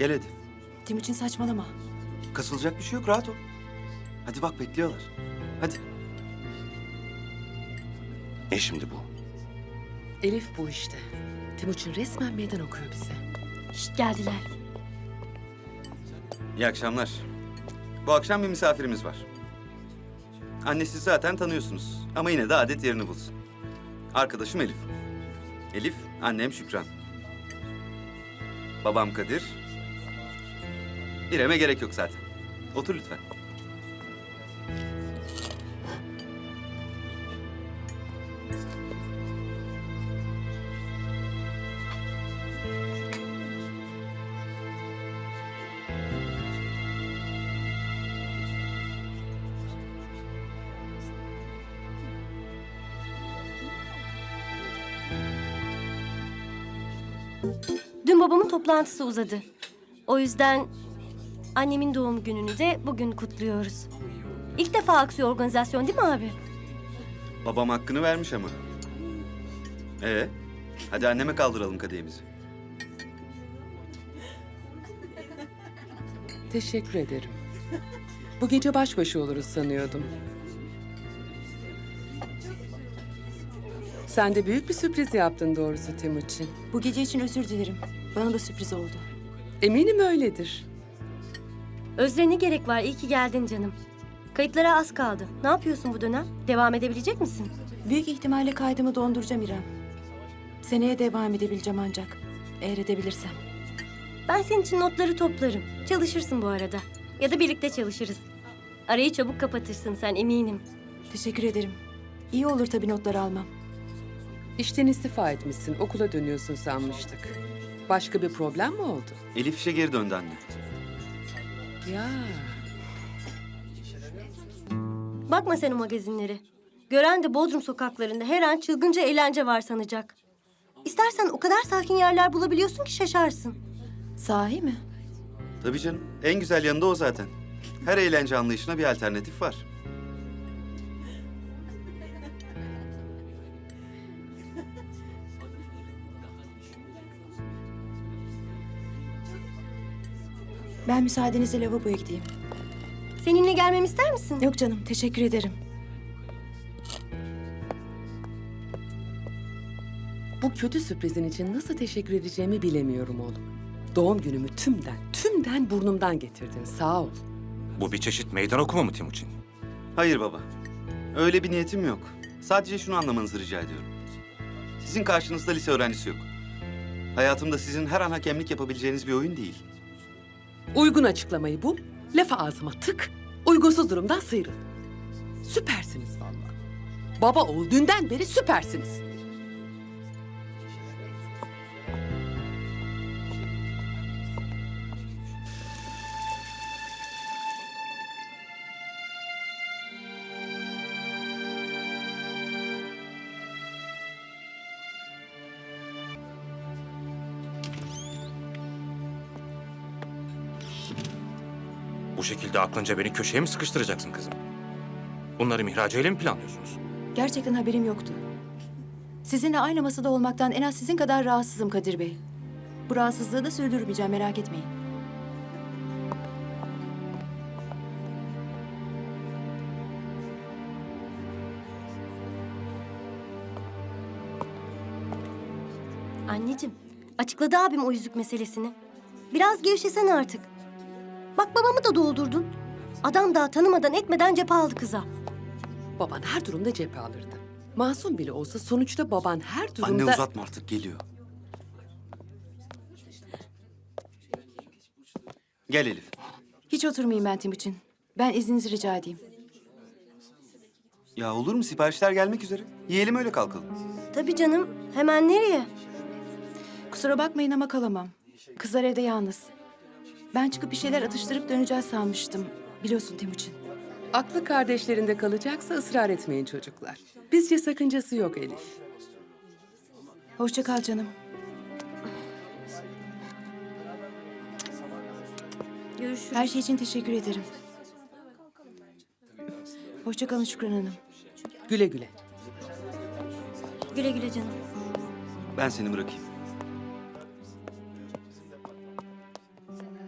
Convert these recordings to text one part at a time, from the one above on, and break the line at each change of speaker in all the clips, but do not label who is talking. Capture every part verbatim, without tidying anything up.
Gel hadi.
Timuçin saçmalama.
Kasılacak bir şey yok, rahat ol. Hadi bak bekliyorlar. Hadi. Ne şimdi bu?
Elif bu işte. Timuçin resmen meydan okuyor bize.
Şşt geldiler.
İyi akşamlar. Bu akşam bir misafirimiz var. Annesi zaten tanıyorsunuz ama yine de adet yerini bulsun. Arkadaşım Elif. Elif, annem Şükran. Babam Kadir. İrem'e gerek yok zaten. Otur lütfen.
Dün babamın toplantısı uzadı. O yüzden annemin doğum gününü de bugün kutluyoruz. İlk defa aksiyon organizasyon değil mi abi?
Babam hakkını vermiş ama. Ee, hadi anneme kaldıralım kadehimizi.
Teşekkür ederim. Bu gece baş başa oluruz sanıyordum. Sen de büyük bir sürpriz yaptın doğrusu Timuçin.
Bu gece için özür dilerim. Bana da sürpriz oldu.
Eminim öyledir.
Özre ne gerek var? İyi ki geldin canım. Kayıtlara az kaldı. Ne yapıyorsun bu dönem? Devam edebilecek misin?
Büyük ihtimalle kaydımı donduracağım İrem. Seneye devam edebileceğim ancak. Eğer edebilirsem.
Ben senin için notları toplarım. Çalışırsın bu arada. Ya da birlikte çalışırız. Arayı çabuk kapatırsın sen, eminim.
Teşekkür ederim. İyi olur tabii notları almam.
İşten istifa etmişsin, okula dönüyorsun sanmıştık. Başka bir problem mi oldu?
Elif işe geri döndü anne.
Ya,
Bakma sen o magazinlere. Gören de Bodrum sokaklarında her an çılgınca eğlence var sanacak. İstersen o kadar sakin yerler bulabiliyorsun ki şaşarsın.
Sahi mi?
Tabii canım, en güzel yanı da o zaten. Her eğlence anlayışına bir alternatif var.
Ben müsaadenizle lavaboya gideyim.
Seninle gelmemi ister misin?
Yok canım, teşekkür ederim.
bu kötü sürprizin için nasıl teşekkür edeceğimi bilemiyorum oğlum. Doğum günümü tümden, tümden burnumdan getirdin, sağ ol.
Bu bir çeşit meydan okuma mı Timuçin?
Hayır baba. Öyle bir niyetim yok. Sadece şunu anlamanızı rica ediyorum. Sizin karşınızda lise öğrencisi yok. Hayatımda sizin her an hakemlik yapabileceğiniz bir oyun değil.
Uygun açıklamayı bul, lafı ağzıma tık, uygunsuz durumdan sıyrıl. Süpersiniz vallahi. Baba oğul dünden beri süpersiniz.
Bu şekilde aklınca beni köşeye mi sıkıştıracaksın kızım? Bunları Mihraç ile mi planlıyorsunuz?
Gerçekten haberim yoktu. Sizinle aynı masada olmaktan en az sizin kadar rahatsızım Kadir Bey. Bu rahatsızlığı da sürdürmeyeceğim, merak etmeyin.
Anneciğim, açıkladı abim o yüzük meselesini. Biraz gevşesen artık. Bak babamı da doldurdun. Adam daha tanımadan etmeden cephe aldı kıza.
Baban her durumda cephe alırdı. Masum bile olsa sonuçta baban her durumda...
Anne uzatma artık, geliyor. Gel Elif.
Hiç oturmayayım ben Timuçin. Ben izninizi rica edeyim.
Ya olur mu? Siparişler gelmek üzere. Yiyelim öyle kalkalım.
Tabii canım, hemen nereye?
Kusura bakmayın ama kalamam. Kızlar evde yalnız. Ben çıkıp bir şeyler atıştırıp döneceğiz sanmıştım. Biliyorsun Timuçin.
Aklı kardeşlerinde kalacaksa ısrar etmeyin çocuklar. Bizce sakıncası yok Elif.
Hoşça kal canım.
Görüşürüz.
Her şey için teşekkür ederim. Hoşça kalın Şükran Hanım.
Güle güle.
Güle güle canım.
Ben seni bırakayım.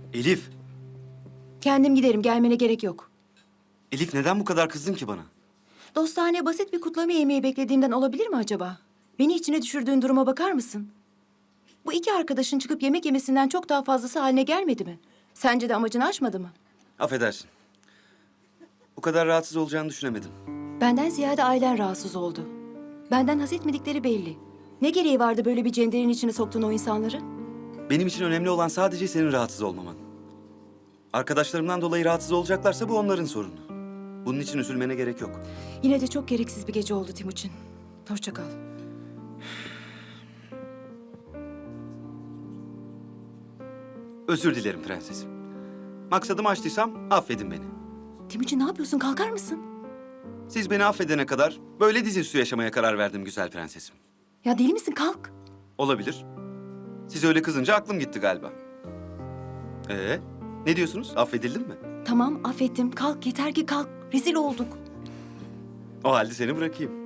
Elif,
Kendim giderim, gelmene gerek yok.
Elif neden bu kadar kızdın ki bana?
Dostane basit bir kutlama yemeği beklediğimden olabilir mi acaba? Beni içine düşürdüğün duruma bakar mısın? Bu iki arkadaşın çıkıp yemek yemesinden çok daha fazlası haline gelmedi mi? Sence de amacını aşmadı mı?
Affedersin. Bu kadar rahatsız olacağını düşünemedim.
Benden ziyade ailen rahatsız oldu. Benden haz etmedikleri belli. Ne gereği vardı böyle bir cenderin içine soktuğun o insanları?
Benim için önemli olan sadece senin rahatsız olmaman. Arkadaşlarımdan dolayı rahatsız olacaklarsa bu onların sorunu. Bunun için üzülmene gerek yok.
Yine de çok gereksiz bir gece oldu Timuçin. Hoşça kal.
Özür dilerim prensesim. Maksadımı aştıysam affedin beni.
Timuçin ne yapıyorsun? Kalkar mısın?
Siz beni affedene kadar böyle dizüstü yaşamaya karar verdim güzel prensesim.
Ya deli misin? Kalk.
Olabilir. Siz öyle kızınca aklım gitti galiba. Ee, ne diyorsunuz? Affedildim mi?
Tamam affettim. Kalk yeter ki kalk. Rezil olduk.
O halde seni bırakayım.